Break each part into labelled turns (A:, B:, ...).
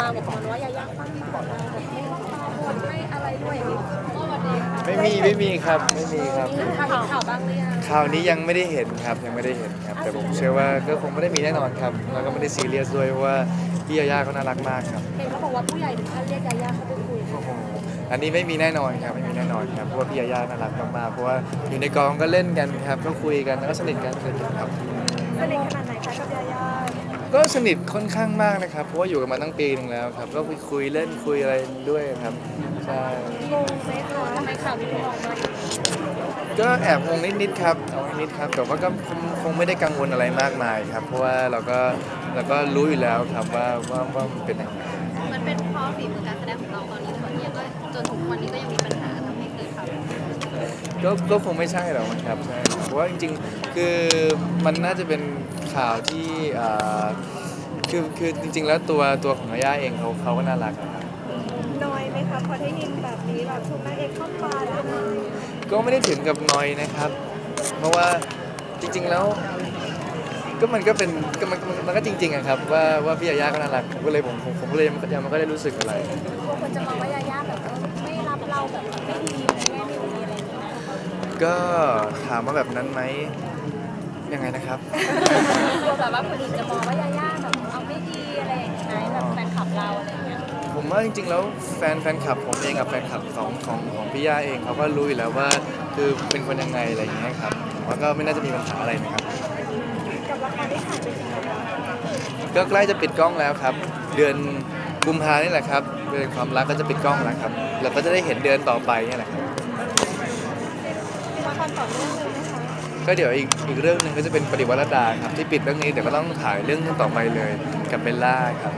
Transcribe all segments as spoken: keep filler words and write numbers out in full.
A: มาบอกมันว่ายายาปั้นมาแบบไม่ป้าบนไม่อะไรด้วยอย่างนี้ก็วันนี้ค่ะ
B: ไม่มีไม่มีครับไม่มีครับ
A: มีข่าวข่าวบ้างหรือยัง
B: ข่าวนี้ยังไม่ได้เห็นครับยังไม่ได้เห็นครับแต่ผมเชื่อว่าก็คงไม่ได้มีแน่นอนครับแล้วก็ไม่ได้ซีเรียสด้วยเพราะว่าพี่ยาย่าเขาน่ารักมากครับ
A: เห็นเขาบอกว่าผู้ใหญ่ถึงขั้นเรียกยายาเข้าไปคุย
B: โอ้โหอันนี้ไม่มีแน่นอนครับไม่มีแน่นอนครับเพราะว่าพี่ยาย่าน่ารักมากๆเพราะว่าอยู่ในกองก็เล่นกันครับก็คุยกันแล้วก็สนิทกันสนิทกันครับ
A: สนิทขนาดไหนคะกับยายา
B: ก็สนิทค่อนข้างมากนะครับเพราะว่าอยู่กันมาตั้งปีนึงแล้วครับก็ไปคุยเล่นคุยอะไรด้วยครับใช่
A: งงไหมคะทำไมข่าวนี้ถึงออกมาอีก
B: ก็แอบงงนิดๆครับเอานิดๆครับแต่ว่าก็คงคงไม่ได้กังวลอะไรมากมายครับเพราะว่าเราก็เราก็รู้อยู่แล้วครับว่าว่าว่ามันเป็นยังไง
A: มันเป็นเพราะฝีมือการแสดงของเราตอนนี้ตอนนี้ก็จนถึงวันนี้ก็ยังมีปัญหาทำให้เกิดข่าว
B: ก็ก็คงไม่ใช่หรอกครับใช่เพราะว่าจริงๆคือมันน่าจะเป็นข่าวที่อ่าคือคือจริงๆแล้วตัวตัวของยาย่าเองเขาเขาก็น่ารักครับ
A: น้อยไหมคะพอได้ยินแบบนี้แบบถูกนางเอกเข้าปาแล้ว
B: ก็ไม่ได้ถึงกับนอยนะครับเพราะว่าจริงๆแล้วก็มันก็เป็นก็มันมันก็จริงๆอะครับว่าว่าพี่ยาย่าก็น่ารักก็เลยผมผมผมก็เลยยังมันก็ได้รู้สึกอะไร
A: กลัวคนจะมองว่ายาย่าแบบไม่รับเราแบบไม่ดีในแง่ไม่ดีอะไรอย่างเงี้ย
B: ก็ถามว่าแบบนั้นไหมยังไงนะครับ
A: กลัวแบบว่าคนอื่นจะมองว่ายาย่าแบบเอาไม่ดีอะไรอย่างเงี้ยแบบแฟนคลับเราอะไรอย่างเงี้ย
B: ผมว่าจริงๆแล้วแฟนแฟนคลับผมเองกับแฟนคลับของของของพี่ย่าเองเขาก็รู้อยู่แล้วว่าคือเป็นคนยังไงอะไรอย่างเงี้ยครับผมว่าก็ไม่น่าจะมีปัญหาอะไรนะครับ
A: กับละครที่ถ่ายไปถึงไหน
B: ก็ใกล้จะปิดกล้องแล้วครับเดือนกุมภานี่แหละครับเดือนความรักก็จะปิดกล้องแล้วครับเราก็จะได้เห็นเดือนต่อไปนี่แหละครับ
A: ละครต่อเนื่องเลยนะคะ
B: ก็เดี๋ยวอีกอีกเรื่องหนึ่งก็จะเป็นปฏิวัติรัตดาครับที่ปิดเรื่องนี้เดี๋ยวก็ต้องถ่ายเรื่องต่อไปเลยกับเบลล่าครับ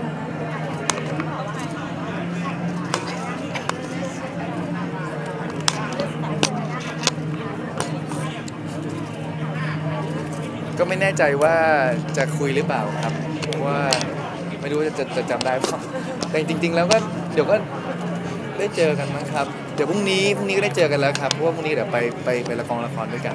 B: ก็ไม่แน่ใจว่าจะคุยหรือเปล่าครับเพราะว่าไม่รู้จะจะจำได้เปล่าแต่จริงๆแล้วก็เดี๋ยวก็ได้เจอกันมั้งครับเดี๋ยวพรุ่งนี้พรุ่งนี้ก็ได้เจอกันแล้วครับเพราะว่าพรุ่งนี้เดี๋ยวไปไปไปละครละครด้วยกัน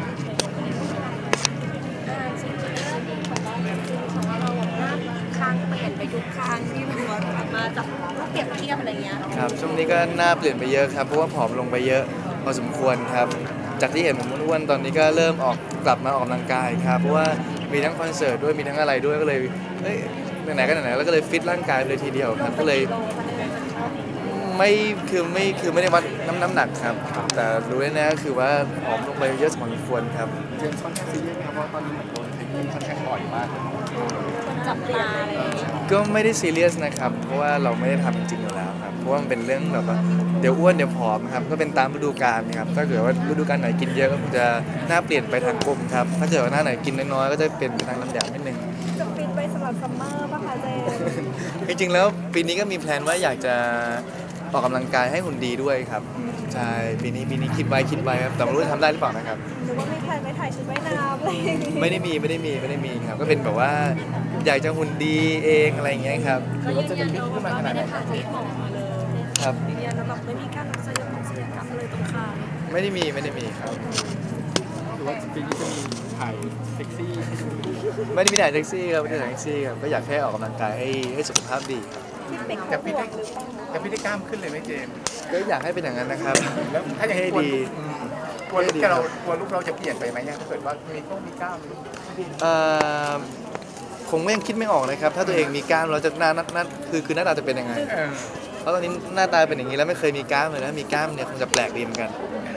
A: คางเปลี่ยนไปทุกครั้งที่มันกลับมาจากเปรียบเทียบอะไรเงี้ย
B: ครับช่วงนี้ก็หน้าเปลี่ยนไปเยอะครับเพราะว่าผอมลงไปเยอะพอสมควรครับจากที่เห็นผมอ้วนตอนนี้ก็เริ่มออกกลับมาออกกำลังกายครับเพราะว่ามีทั้งคอนเสิร์ตด้วยมีทั้งอะไรด้วยก็เลยเฮ้ยไหนๆก็ไหนๆแล้วก็เลยฟิตร่างกายไปเลยทีเดียวครับก็เลยไม่คือไม่คือไม่ได้วัดน้ำน้ำหนักครับแต่รู้แน่ๆก็คือว่าผอมลงไปเยอะสมควรครับ
C: เจมส์ค่อนข้างซีเรียสนะครับเพราะตอนนี้เหมือนโดนเทคนิคค่อนข้างบ่อยมาก
A: จับตาอะไรอย่างเงี้ย
B: ก็ไม่ได้ซีเรียสนะครับเพราะว่าเราไม่ได้ทำจริงๆอยู่แล้วครับเพราะว่ามันเป็นเรื่องแบบว่าเดี๋ยวอ้วนเดี๋ยวผอมครับก็เป็นตามฤดูกาลนะครับถ้าเกิดว่าฤดูกาลไหนกินเยอะก็จะหน้าเปลี่ยนไปทางกลมครับถ้าเกิดว่าหน้าไหนกินน้อยๆก็จะเป็นไปทางน้ำแดงนิดนึง
A: จะฟิตไปสำหรับซัมเมอร์ป่ะคะเจ
B: จริงๆแล้วปีนี้ก็มีแพลนว่าอยากจะออกกำลังกายให้หุ่นดีด้วยครับใช่ปีนี้ปีนี้คิดไว้คิดไว้ครับแต่ไม่รู้จะทำได้หรือเปล่านะครับ
A: หรือว่าไม่ถ่ายไม่ถ่ายชุดว่ายน้ำอะไร
B: ไม่ได้มีไม่ได้มีไม่ได้มีครับก็เป็นแบบว่าอยากจะหุ่นดีเองอะไรอย่างเงี้ยครับ
A: ก็ยืนยันว่าเราไม่ได้ผ่าตัดออกมาเลย
B: ครับ
A: ยืนยันว่าแบบไม่มีการรักษาของศัลยกรรมอะไรตรงคาง
B: ไม่ได้มีไม่ได้มีครับ
C: หรือว่าปีนี้จะมีถ่ายเซ็กซี่
B: ไม่ได้มีถ่ายแท็กซี่ครับไม่ได้ถ่ายแท็กซี่ครับก็อยากแค่ออกกำลังกายให้ให้สุขภาพดี
C: ครับแต่พี่ได้แต่พี่ได้กล้ามขึ้นเลยไหมเจมส์
B: ก็อยากให้เป็นอย่างนั้นนะครับ
C: แล้วถ้าอย่าง
B: ให้ดี
C: กลัวลูกเรากลัวลูกเราจะเปลี่ยนไปไหมเนี่ยถ้าเกิดว่ามีต้องมีกล้าม
B: เอ่อคงไม่ยังคิดไม่ออกเลยครับถ้าตัวเองมีกล้ามเราจะหน้าหน้าคือคือหน้าตาจะเป็นยังไงเพราะตอนนี้หน้าตาเป็นอย่างนี้แล้วไม่เคยมีกล้ามเลยนะมีกล้ามเนี่ยคงจะแปลกดีเหมือนกัน